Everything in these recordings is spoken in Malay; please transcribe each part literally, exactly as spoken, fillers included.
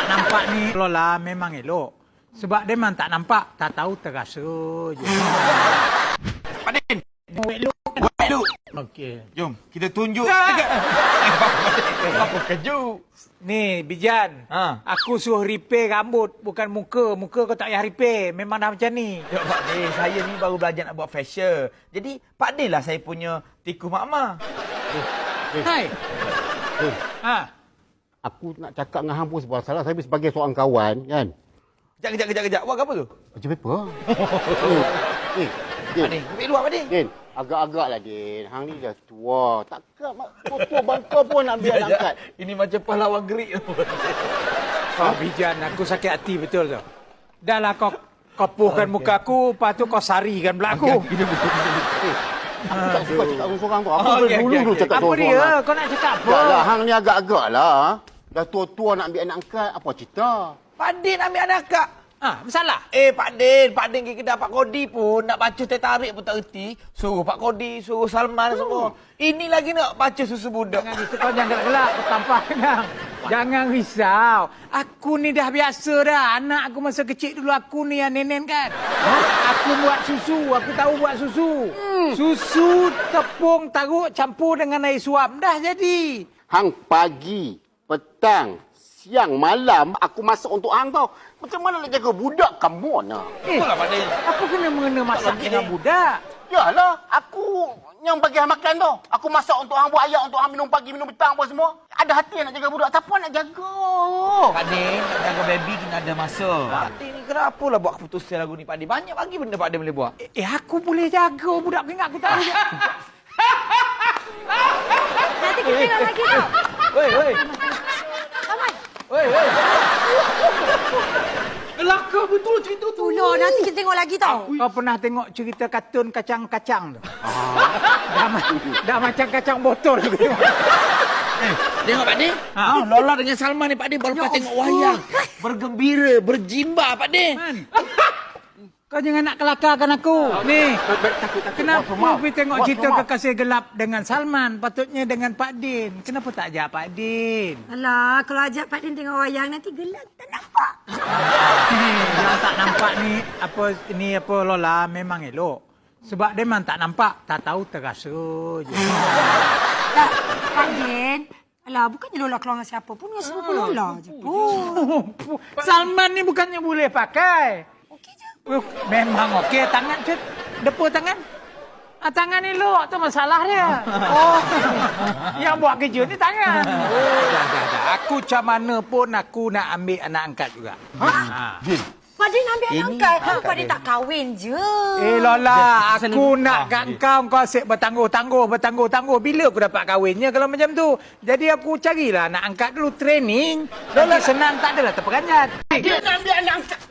nampak ni Lola memang elok. Sebab dia memang tak nampak, tak tahu terasa je. Pak Din. Elok. Elok. Okey. Jom, kita tunjuk Nah. dekat. Apa kejut? Ni, Bijan. Ha. Aku suruh repair rambut, bukan muka. Muka kau tak payah repair. Memang dah macam ni. Ya Pak Din, saya ni baru belajar nak buat facial. Jadi, Pak Din lah saya punya tikus mak-mak. Hai. Eh, Ha. aku nak cakap dengan hang pun sebuah salah. Saya sebagai seorang kawan, kan? Kejap, kejap, kejap, kejap. Buat apa tu? Baca paper. eh, eh, Pak Din, Din, ambil luar Pak Din. Din, agak-agak lah, Din. Hang ni dah tua. Takkan mak tua bangka pun nak biar nak angkat. Ini macam pahlawan gerik. Oh, Bijan, aku sakit hati betul tu. Dah lah kau kopuhkan muka aku, lepas tu kau sarikan pula aku. Eh, aku tak suka cakap seorang-seorang tu. Aku Oh, okey, dulu okey, dulu okey. cakap Apa seorang-seorang. dia? Kau nak cakap apa? Tak lah, hang ni agak-agak lah. Dah tua-tua nak ambil anak angkat. Apa cerita? Pak Din ambil anak kak. Ha, masalah? Eh, Pak Din, Pak Din pergi kedai Pak Kodi pun nak baca teh tarik pun tak erti. Suruh Pak Kodi, suruh Salman semua. Ini lagi nak baca susu budak. Jangan risau, kau jangan gelak-gelak. Kau tampar kenang. Jangan risau. Aku ni dah biasa dah. Anak aku masa kecil dulu aku ni yang nenen kan. Ha? Aku buat susu. Aku tahu buat susu. Hmm. Susu, tepung, taruk, campur dengan air suam. Dah jadi. Hang pagi, petang, siang, malam aku masak untuk hang tau. Macam mana nak jaga budak kamu nak? Eh, Itulah Pak Din. apa kena mengena masak Tak dengan boleh. budak? Yalah, aku yang bagi hang makan tu. Aku masak untuk hang buat ayak untuk hang minum pagi, minum petang apa semua. Ada hati yang nak jaga budak. Siapa nak jaga? Pak Din, nak jaga baby kena ada masa. Pak Din ni kenapa lah buat keputusan lagu ni Pak Din? Banyak lagi benda Pak Din boleh buat. Eh, eh aku boleh jaga budak aku ingat aku tak boleh. Nanti kita tengok lagi tau. Woi, woi. Kawan. Woi, woi. Kelakar betul cerita tu. Tolong, nanti kita tengok lagi tau. Kau pernah tengok cerita kartun kacang-kacang tu? dah, ma- dah macam kacang botol tu. Eh, tengok Pak Din. Ha? Ha? Lola dengan Salman ni Pak Din baru lepas tengok wayang. Bergembira, berjimba Pak Din. Man. Kau jangan nak kelakarkan aku. Ni, kenapa pergi tengok cerita Kekasih Gelap dengan Salman? Patutnya dengan Pak Din. Kenapa tak ajak Pak Din? Alah, kalau ajak Pak Din tengok wayang, nanti gelap tak nampak. Eh, yang tak nampak ni, apa ni apa Lola memang elok. Sebab dia memang tak nampak, tak tahu terasa je. Tak, Pak Din. Alah, bukannya Lola keluar dengan siapa pun. Dengan sepupu Lola je pun. Salman ni bukannya boleh pakai. Okey je. Uh, memang okey. Tangan tu, depa tangan. Ah, tangan elok tu masalah dia. Oh, yang buat kerja ni tangan. Oh, dah, dah, dah. Aku macam mana pun aku nak ambil anak angkat juga. Ha? Ha. Din, Pak Din ambil Ini anak angkat. Ha, angkat Pak Din dia. tak kahwin je. Eh Lola, aku Sana- nak Ah, kat okey. kau, kau asyik bertangguh-tangguh, bertangguh-tangguh. Bila aku dapat kahwinnya kalau macam tu? Jadi aku carilah nak angkat dulu training. Lola senang, tak adalah terperanjat. Dia nak ambil anak angkat.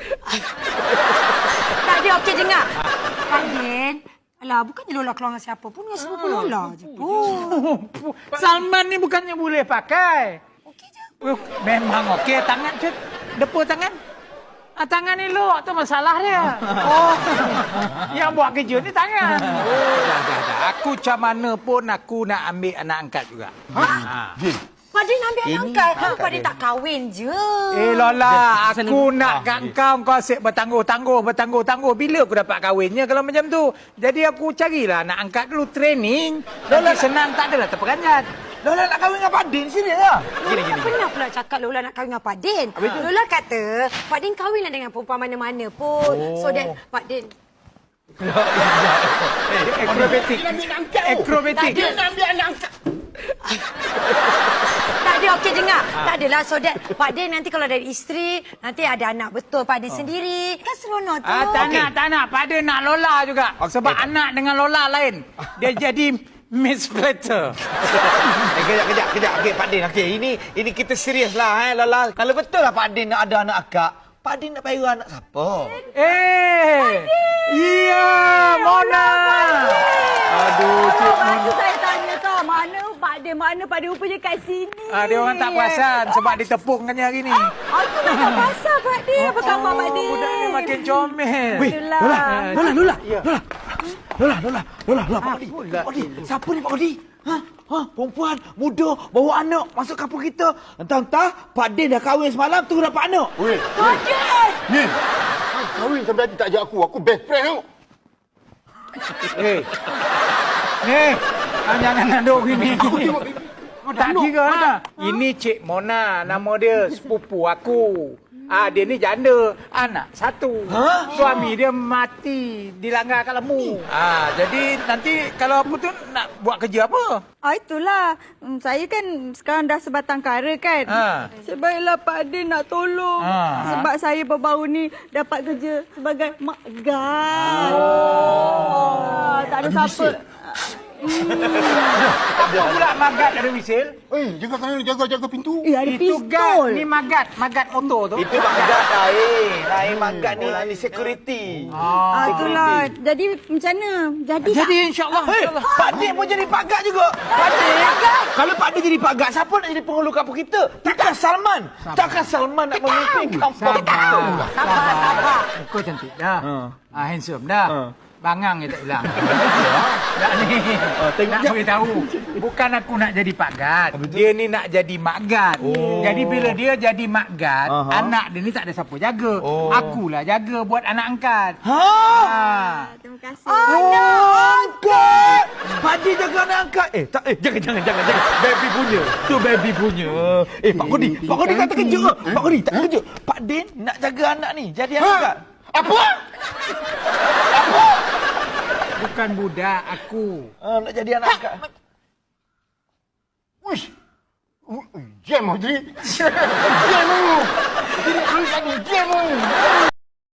Tak ada, okey dengar. Pak Din. Alah, bukannya Lola keluar dengan siapa pun. Dengan sepupu Lola je pun. Salman ni bukannya boleh pakai. Okey je. Uh, memang okey. Tangan tu, depa tangan. Ah, tangan elok tu masalah dia. Oh, yang buat kerja ni tangan. Oh, dah, dah, dah. Aku macam mana pun aku nak ambil anak angkat juga. Ha. Din, Pak Din ambil anak Ini angkat. Ha, angkat Pak Din dia. tak kahwin je. Eh Lola, Sana- aku nak Ah, kat kau, kau asyik bertangguh-tangguh, bertangguh-tangguh. Bila aku dapat kahwinnya kalau macam tu? Jadi aku carilah nak angkat dulu training. Lola senang, tak adalah terperanjat. Lola nak kahwin dengan Pak Din sini lah. Lola tak pernah pula cakap Lola nak kahwin dengan Pak Din. Lola kata, Pak Din kahwinlah dengan perempuan mana-mana pun. Oh. So that Pak Din... Akrobatik. Akrobatik. Dia nak ambil anak angkat. Tak ada, okey dengar. Tak adalah so that Pak Din nanti kalau ada isteri, nanti ada anak betul Pak Din sendiri. Kan seronok tu. Ah, tak nak, tak nak. Pada nak Lola juga. Sebab anak dengan Lola lain. Dia jadi Miss Platter. Eh, kejap, kejap, kejap. Okey, Pak Din. Okey, ini ini kita serius lah, eh, Lola. Kalau betul lah Pak Din nak ada anak akak, Pak Din nak payah anak siapa? Eh, iya, Mona. Aduh, Cik Lepas Mona. tu saya tanya tau, mana Pak Din, mana Pak Din rupanya kat sini. Ah, dia orang tak perasan sebab ditepungkannya hari ni. Aku dah tak pasal Pak Din. Apa khabar Pak Din? Budak ni makin comel. Itulah. Lola, Lola, Lola. Lola, Lola, Lola, Lola, Pak Kodi. Apalah. Pak Kodi, siapa ni Pak Kodi? Ha? Ha, perempuan muda bawa anak masuk kampung kita. Entah-entah Pak Din dah kahwin semalam tu dapat anak. Weh, Pak Din! Din! Kahwin sampai hati tak ajak aku. Aku best friend tau. Eh. Eh, ah, jangan naduk gini. Tak kira lah. Ini Cik Mona, nama dia sepupu aku. Ah, dia ni janda, anak satu. Ha? Suami dia mati dilanggar kat lembu. Ah, jadi nanti kalau apa tu nak buat kerja apa? Ah, itulah. Hmm, saya kan sekarang dah sebatang kara kan. Ha. Sebaiklah Pak Din nak tolong. Ha. Sebab saya baru-baru ni dapat kerja sebagai mak gan. Oh. Tak ada siapa. Apa pula magat ada wisil? Eh, jaga kanan, jaga jaga pintu. Eh, ada Itu gat, pistol. ni magat, magat motor tu. Itu magat lain. Lain magat ni, ni security. Ah, itulah. Jadi macam mana? Jadi, Jadi insya-Allah. Hei, insya-Allah. Pak Din pun jadi pagat juga. Pak Din. Kalau Pak Din jadi pagat, siapa nak jadi penghulu kampung kita? Takkan Salman. Takkan Salman nak memimpin kampung kita. Sabar, sabar, sabar. Muka cantik dah. Ha. Ah, handsome dah. Ha. Bangang je tak hilang. Tak ni. tengok Nak je. beritahu. Bukan aku nak jadi Pak Gad. Dia ni nak jadi Mak Gad. Jadi bila dia jadi Mak Gad, Aha. anak dia ni tak ada siapa jaga. Oh. Akulah jaga buat anak angkat. Ha? Ha. Terima kasih. Oh, angkat! Pak Din jaga anak angkat. Eh, tak, eh, jangan, jangan, jangan, jangan. Baby punya. Tu baby punya. Eh, Pak Kodi. Pak Kodi kata kejut ke? Pak Kodi tak kejut. Pak Din nak jaga anak ni. Jadi anak angkat. Apa? Bukan budak aku. Ha, nak jadi anak angkat. Uish. Jam, Audrey. Jam, Audrey. Jam, Audrey. Jam, Audrey.